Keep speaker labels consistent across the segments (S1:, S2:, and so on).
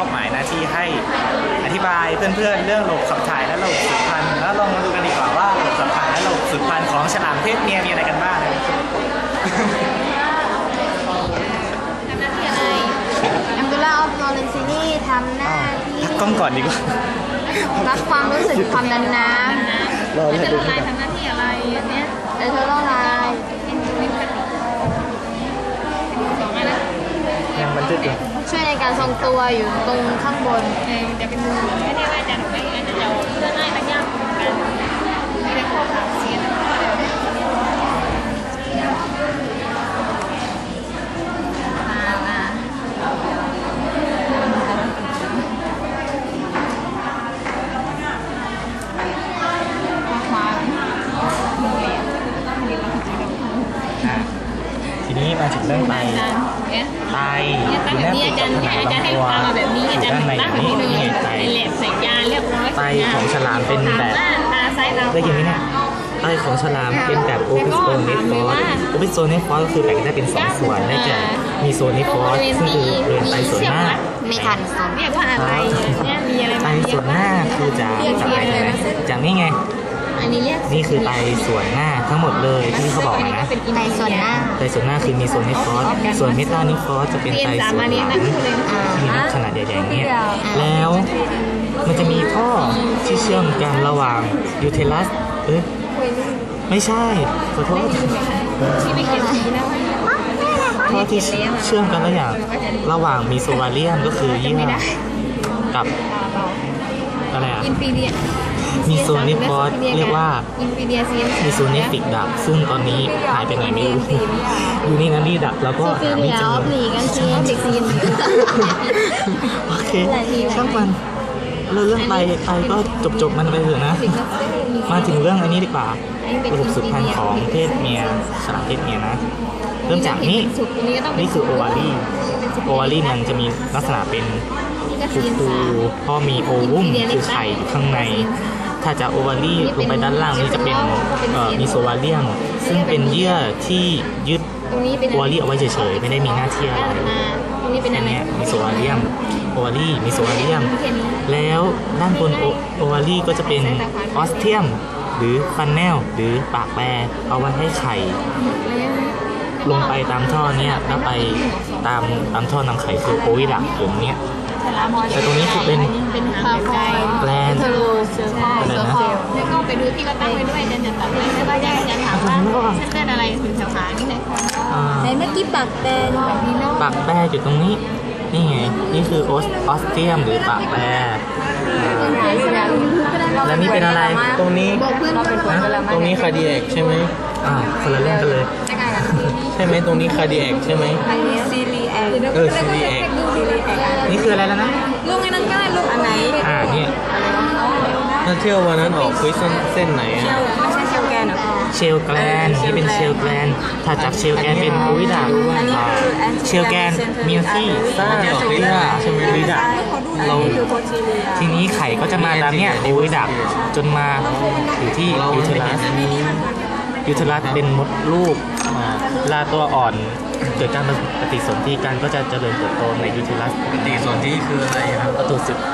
S1: อบหมายหน้าที่ให้อธิบายเพื่อนๆเรื่องระบบขับถ่ายและระบบสืบพันธุ์แล้วลองมาดูกันดีกว่าว่าระบบขับถ่ายและระบบสืบพันธุ์ของฉลามเพศเมียมีอะไรกันบ้าง
S2: ทำหน้าที่อะไรอัมดุลลาห์ออฟลอเรนซินีทำหน้าที่
S1: พักกล้องก่อนดีกว่า
S2: รับความรู้สึกความดันน้ำ
S1: เรา
S2: จะละลายทำหน้าที่อะไรอันเนี้ยเธอละลาย
S1: ยังบันทึกอยู่
S2: ช่วยในการทรงตัวอยู่ตรงข้างบน
S3: จะเป็นมือไม่ได้ว่าจะหนูไม่อาจจะเอาเพื่อให้มันยากกันไม่ได้ข้อขาเสีย
S1: ทีนี้มาถึงเรื่องไตอยู่แนบติดกับผนังลำตัวอยู่ด้านในนี้นี่ไตไตของฉลามเป็นแบบได้ยินไหมเนี่ยไตของฉลามเป็นแบบโอพิสโตเนฟอสโอพิสโตเนฟอสก็คือแบ่งได้เป็น2ส่วนได้แก่มีโซนิฟอสซึ่งคือบริเวณไตส่วนหน้า
S2: ไม่ทันสน
S3: เรียกว่าอะไรเนี่ยมีอะไร
S1: ไตส่วนหน้าคือจากอะไรจากนี่ไงนี่คือไตส่วนหน้าทั้งหมดเลยที่เขาบอกนะ
S2: ไตส่วนหน้า
S1: คือมีโซนิฟอสส่วนเมตานิฟอสจะเป็นไตส่วนหลังมีขนาดใหญ่ๆเนี่ยแล้วมันจะมีท่อที่เชื่อมกันระหว่างยูเทลัสไม่ใช่ขอโทษท่อที่เชื่อมกันระหว่างมีโซวาเลียมก็คือเยื่อกับอะไรอ่ะมีโซนิฟอสเรียกว่ามีโซเนฟิกดักซึ่งตอนนี้หายไปไหนไม่รู้อยู่นี่นะนี่ดักแล้วก็หาไม่เจอโอเคช่างมันเรื่องไตก็จบมันไปเถอะนะมาถึงเรื่องอันนี้ดีกว่าระบบสืบพันธุ์ของเพศเมียฉลามเพศเมียนะเริ่มจากนี่คือโอวารีมันจะมีลักษณะเป็นฟูๆพอมีโอวุมคือไข่อยู่ข้างในถ้าจะโอวารีลงไปด้านล่างนี่จะเป็นมีโซวาเลียมซึ่งเป็นเยื่อที่ยึดโอวารีเอาไว้เฉยๆไม่ได้มีหน้าที่อะไรอันนี้มีโซวาเลียมโอวารีมีโซวาเลียมแล้วด้านบนโอวารีก็จะเป็นออสเทียมหรือฟันแนลหรือปากแปรเอาไว้ให้ไข่ลงไปตามท่อเนี้ยแล้วไปตามท่อนำไข่คือโอวิดักตรงเนี้ยแต่ตรงนี้คือเป็นแกลน
S3: อะไรนะแล้วก็ไปดูที่เราตั้งไว้ด้วยจะตัดไว้แล้วก็จะถามว่าเส้นอะไรถึงแถวขานี่ไหน
S2: ในเมื่อกี้ปากแปร
S1: อยู่ตรงนี้นี่ไงนี่คือออสเทียมหรือปากแปรแล้วนี่เป็นอะไรตรงนี้
S4: ตรงนี้คาร์ดิแอคใช่ไหม
S1: คนละเรื่องกันเลย
S4: ใช่ไหมตรงนี้คาร์ดิแอคใช่ไหม
S2: ซีรีแอค
S4: ซีรีแอค
S1: นี่คืออะไรแล้วนะ
S2: ลูกไอ้นั่นก็ได้ลูกอันไหน
S1: เนี่ย
S4: ถ้าเที่ยววันนั้นออกคุยเส้นไหนอ่ะ
S2: ไม่ใช่เชลแกนหรอ
S1: เชลแกลนนี่เป็นเชลแกลนถ้าจากเชลแกลนเป็นโอวิดักเชลแกลนมีที่
S4: ซ่าลิดาใช่ไหมลิดา
S1: เราทีนี้ไข่ก็จะมาตามเนี้ยโอวิดักจนมาอยู่ที่ยูเทลัสเป็นมดลูกลาตัวอ่อนเกิดการปฏิสนธิกันก็จะเจริญเติบโตในยูเทลัส
S4: ปฏิสนธิคืออะไรครับ
S1: ประตู10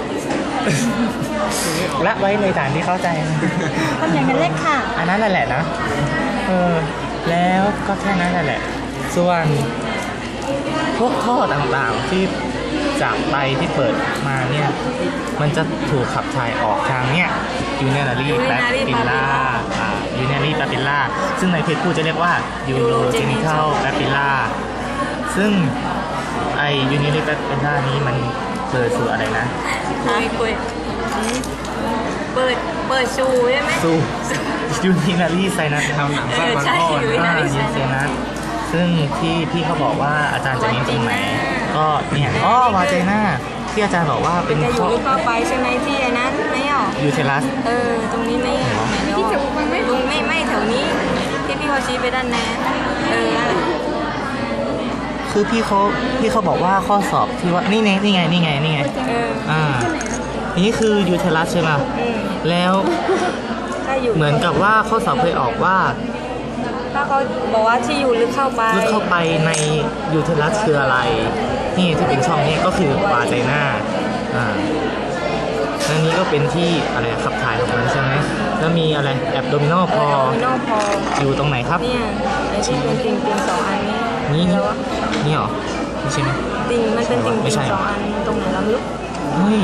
S1: ละไว้ในฐานที่เข้าใจ
S2: คนอย่างนั้นเล็กค่ะ
S1: อันนั้นแหละนะแล้วก็แค่นั้นแหละส่วนพวกท่อต่างๆที่จากไตที่เปิดมาเนี่ยมันจะถูกขับถ่ายออกทางเนี่ยยูเนอรี่แปปิลล่าซึ่งในเพศผู้จะเรียกว่ายูโรเจนิทัลแปปิลล่าซึ่งไอยูเนอรี่แปปิลล่านี้มันเปิดสู่อะไรนะ
S2: เปิดสู่ใช่ไหม
S1: สู่ยูนินารีไซนัส
S4: ทำหนังสั้นมันพ่อ
S1: ยูนินารีไซนัสซึ่งที่พี่เขาบอกว่าอาจารย์จะเน้นตรงไหนก็เนี่ยวาเจน่าที่อาจารย์บอกว่าเป็น
S2: อยู่ลึกเข้าไปใช่ไหมที่ไอ้นั้นไม่หรอ
S1: ยูเทลัส
S2: ตรงนี้ไม่ที่แถวไม่แถวนี้ที่พี่เขาชี้ไปด้านนั้น
S1: คือพี่เขาบอกว่าข้อสอบที่ว่านี่ไงนี่คือยูเทลัสใช่ไหมแล้วเหมือนกับว่าข้อสอบเคยออกว่า
S2: ถ้าเขาบอกว่าที่อยู่ลึกเข้าไป
S1: ในยูเทลัสคืออะไรนี่ที่เป็นช่องนี้ก็คือวาไจน่าแล้วนี้ก็เป็นที่อะไรขับถ่ายของมันใช่ไหมแล้วมีอะไรแอบโดมิโนพอ
S2: โนพอ
S1: อยู่ตรงไหนครับ
S2: เนี่ยไอ้ที่เป็นติ่งสองอันนี้
S1: นี่
S2: แล้ววะ
S1: นี่เหรอไม่ใช่ไหม
S2: ติ่งมันเป็นติ่ง
S1: ไม่ใช่
S2: สองอันตรงไหนเราไม่รู้
S1: เฮ้ย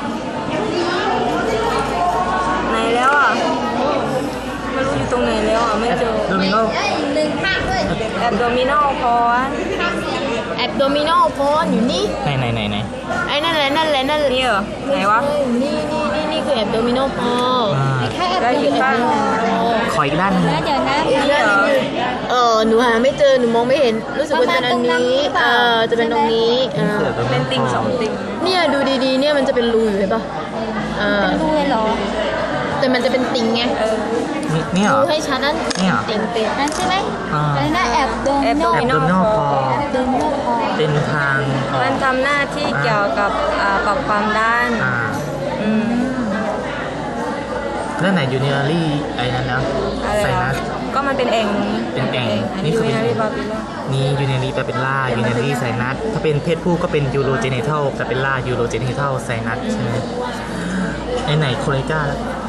S2: ไหนแล้วอ่ะไม่รู้อยู่ตรงไหนแล้วอ่ะไม่เจอ
S1: โดมิโน
S2: แอบโดมิโนพอ
S3: แอบโดมิโนโฟนอยู่นี่
S1: ไหน
S3: ไอ้นั่นแหละนี่เหรอ
S2: ไหนวะ
S3: นี่คือแอบโดมิโนโฟนแค่แอบ
S2: แล้วอีกข้าง
S1: ขออีกด้านหนึง
S3: เดี๋ยวนะ
S2: นี่เหรอ
S3: หนูหาไม่เจอหนูมองไม่เห็นรู้สึกว่าจะเป็นอันนี้จะเป็นตรงนี้
S2: เป็นติ่งสองติ่ง
S3: เนี่ยดูดีๆเนี่ยมันจะเป็นรูอยู่เห็นปะเป็นรูเลยเหรอแต่มันจะเป็นติ่งไง
S1: นี่เหร
S3: ดู
S1: อ
S3: ให้ชัดนั่น
S1: นี่เหรอ
S3: ติ่งนั่นใช่ไหม
S1: อะไร
S3: นะแอบโดมิ
S2: แอบโด
S3: โน
S2: มิ
S1: โด
S2: โน
S1: มิโนพอ
S3: โดมิโนพอ
S1: เป็นทางออก
S2: มันทำหน้าที่เกี่ยวกับปรับความด้าน อืม
S1: แล้วไหนยูนิลารี่ไอ้นั้นนะ
S2: อะไร
S1: ไซ
S2: เหรอ
S1: นัส
S2: ก็มันเป็นแอ่ง
S1: เป็นแอ่ง
S2: อัน
S1: นี่
S2: นี้
S1: คือ
S2: วิ
S1: เป็น
S2: นารีบาบิล
S1: นี่ยูนิลารี่แปลเป็นล่ายูนิลารี่ไซนัสถ้าเป็นเพศผู้ก็เป็นยูโรเจเนทัลแปลเป็นล่ายูโรเจเนทัลไซนัสใช่ไหมไอ้ไหนโคเรกา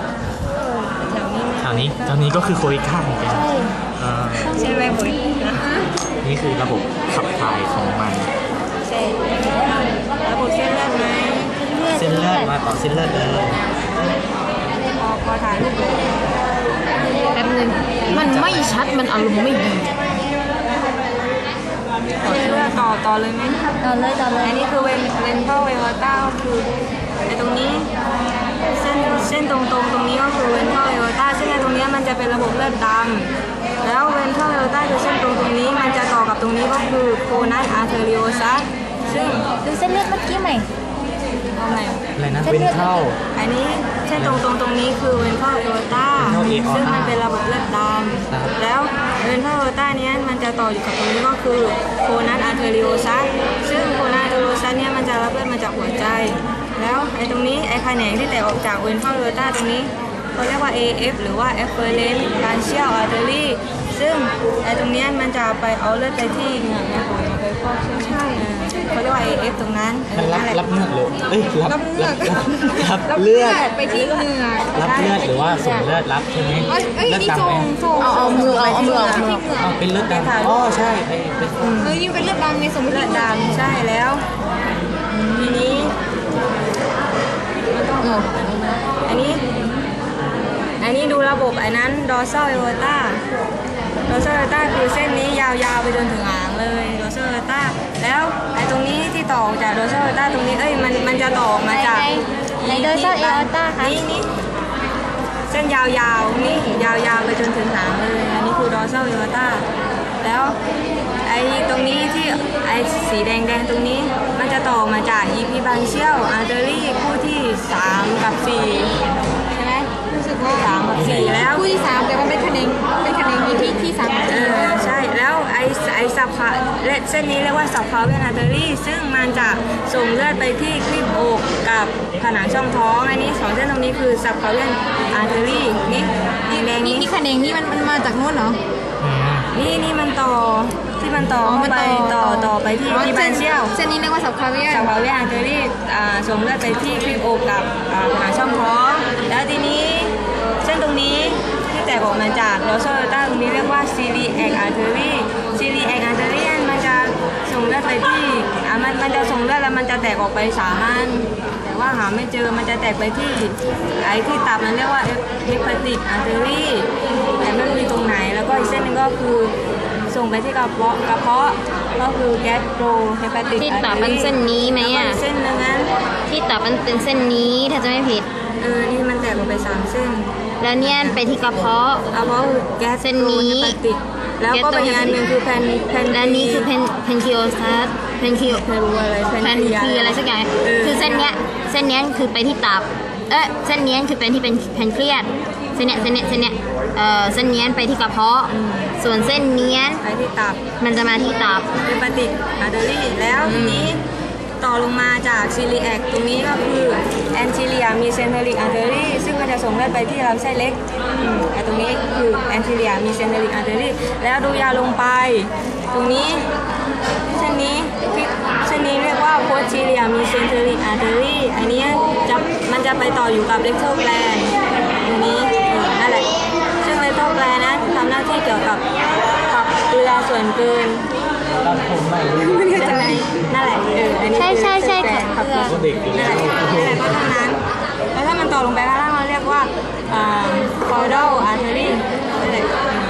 S2: แถวนี้
S1: แถวนี้ก็คือโคเรกาเหมือนกันอ่า
S2: ใช่ไหมปุ๋ย
S1: นี่คือระบบขับถ่ายของมัน
S2: ใช่ระบบเส้นเลือดไหม
S1: เส้นเลือดมาต่อเส้นเลือดเลย
S2: พอถ่ายรูป
S3: แป๊บนึงมันไม่ชัดมันอารมณ์ไม่ดี
S2: เส้นเลือดต่อเลยไหม
S3: ต่อเลย
S2: อันนี้คือเวนเทอร์เวลต้าคือไอ้ตรงนี้เส้นตรงตรงนี้ก็คือเวนเทอร์เวลต้าเส้นตรงนี้มันจะเป็นระบบเลือดดำแล้วเวนเทอร์เวลต้าคือเส้นตรงนี้มันจะต่อกับตรงนี้ก็คือโคนัสอาร์เทริโอซัสซึ่ง
S3: ดูเส้นเลือดเมื่อกี้ใหม่
S2: เอาใหม่
S1: อะไรนะเป็นเท่า
S2: อันนี้เส้นตรงนี้คือเวนเทอร์เอโอต้า
S1: Ventral aorta
S2: ซึ่งมันเป็นระบบเลือดด
S1: ครับ
S2: ำแล้วเวนเทอร์เอโอต้านี้มันจะต่ออยู่กับตรงนี้ก็คือโคนัสอาร์เทริโอซัสซึ่งโคนัสอาร์เทริโอซัสเนี่ยมันจะรับเลือดมาจากหัวใจ แล้วไอ้ตรงนี้ไอ้แขนงที่แตกออกจากเวนเทอร์เอโอต้าตรงนี้เขาเรียกว่า AF หรือว่า Efferent Branchial Artery ซึ่งไอ้ตรงเนี้ยมันจะไปเอาเลือดไปที่เหงื่อแม่ปุ๋ยไปฟอกใช่ไหมเขาเรียกว่า AF ตรงนั้น
S1: มันรับเลือดหรือเอ้ยรับเลือด
S2: รับเลือดไปที่เหงื่อ
S1: รับเลือดหรือว่าส่งเลือดรับใช่ไหมเลือดดำไหม
S3: เอามือเอามือ
S1: อ๋อเป็นเลือดดำอ๋อใช่เป็น
S2: ยิ่งเป็นเลือดดำในสมมติเลือดดำใช่แล้วทีนี้อันนี้ดูระบบไอ้นั้น dorsal aorta dorsal aorta คือเส้นนี้ยาวๆไปจนถึงหางเลย dorsal aorta แล้วไอ้ตรงนี้ที่ต่อจาก dorsal aorta ตรงนี้มันจะต่อมาจาก
S3: ใน dorsal aorta ค่ะ
S2: นี่เส้นยาวๆนี่ยาวๆไปจนถึงหางเลยอันนี้คือ dorsal aorta แล้วไอ้ตรงนี้ที่ไอ้สีแดงตรงนี้มันจะต่อมาจาก EP branchial artery คู่ที่3กับ4ใช่ไหมรู้สึกว่า3กับ4แล้วคู่ที่3แต่มันเป็นคะแนนEPที่3ใช่แล้วไอ้สับขาเส้นนี้เรียกว่าสับขาเวียน artery ซึ่งมันจะส่งเลือดไปที่คลีบอกกับผนังช่องท้องอันนี้2เส้นตรงนี้คือสับขาเวียน artery นี่แดงนี่
S3: คะแนนนี่มันมาจากนู้นเหรอ
S2: นี่มันต่อที่มันต่อเข้าไปต่อไปที่บานเชียว
S3: เส้นนี้เรียกว่าสับคาเวีย
S2: สับขาเวียนอาร์เทอรี่ส่งเลือดไปที่คลีบอกกับผนังช่องท้องแล้วทีนี้เส้นตรงนี้ที่แตกออกมาจากโรโซต้าตรงนี้เรียกว่าซีรีแอกอาร์เทอรี่ซีรีแอกอาร์เทอรี่มันจะส่งเลือดไปที่มันจะส่งเลือดแล้วมันจะแตกออกไป3 อันแต่ว่าหาไม่เจอมันจะแตกไปที่ไอ้ที่ตับมันเรียกว่าเฮปาติกอาร์เทอรี่แต่ไม่รู้ตรงไหนแล้วก็อีกเส้นนึงก็คือส่งไปที่กระเพาะก็คือแกสโตรเฮปาติก
S3: ที่ตับมันเส้นนี้ไหมอ่ะ
S2: เส้นนึงนั้น
S3: ที่ตับมันเป็นเส้นนี้ถ้าจะไม่ผิด
S2: นี่มันแตกออกไป3 เส้น
S3: แล้วเนี่ยไปที่กระเพาะ
S2: กระเพาะคือแกส
S3: เส้นนี้
S2: เฮปาติกแล้วก็เป็นอีกอันหนึ่งคือแพน
S3: และนี่คือเพนคิโอซัสเพนคิโอ
S2: ไม่รู้อะไร
S3: แพนคืออะไรสักอย่างคือเส้นเนี้ยคือไปที่ตับเส้นเนี้ยคือเป็นที่เป็นแพนเครียสเส้นเนี้ยเส้นเนี้ยไปที่กระเพาะส่วนเส้นเนี้ย
S2: ไปที่ตับ
S3: มันจะมาที่ตับ
S2: เฮปาติกอาร์เทอรี่แล้วทีนี้ต่อลงมาจากซีรีแอกตรงนี้ก็คือแอนติเลียมีเซนเทริกอาร์เทอรี่ซึ่งมันจะส่งเลือดไปที่ลำไส้เล็กแต่ตรงนี้คือแอนติเลียมีเซนเทริกอาร์เทอรี่แล้วดูยาวลงไปตรงนี้เส้นนี้นี้เรียกว่าโพสทีเรียมีเซนเทอริกอาร์เทอรี่อันนี้มันจะไปต่ออยู่กับเลกโทแกลนตรงนี้นั่นแหละซึ่งเลกโทแกลนนั้นทำหน้าที่เกี่ยวกับขับเกลือส่วนเกิน
S1: ตัดผมใหม่
S2: ไม่ได้จะอะไรนั่นแหละอันนี้
S3: ใช่ใช่ใช่
S2: คือ
S3: ขับเกลือ
S1: ก็เด็กอยู่
S2: นั่น
S1: แล้
S2: แห
S1: ว
S2: ละเพราะฉะนั้นแล้วถ้ามันต่อลงไปข้างล่างเราเรียกว่าcaudal artery นั่นแหละ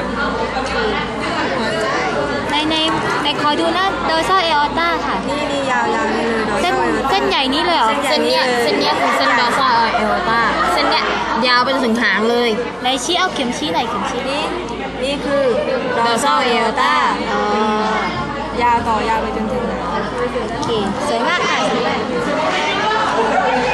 S3: ในคอยดูนะโดยซ่อเออต้าค่ะ
S2: นี่ยาวๆนี่เลย
S3: เส้นใหญ่นี้เลยเหรอ
S2: เส้นใหญ่
S3: เส้นเนี้ยคือเส้นดอซ่าเออต้าเส้นเนี้ยยาวไปจนถึงหางเลยไหนชี้เอาเข็มชี้ไหนเข็มชี้
S2: นี่คือ dorsal aorta ยาวต่อยาวไปจนถึง
S3: โอเคสวยมากค่ะสวยมาก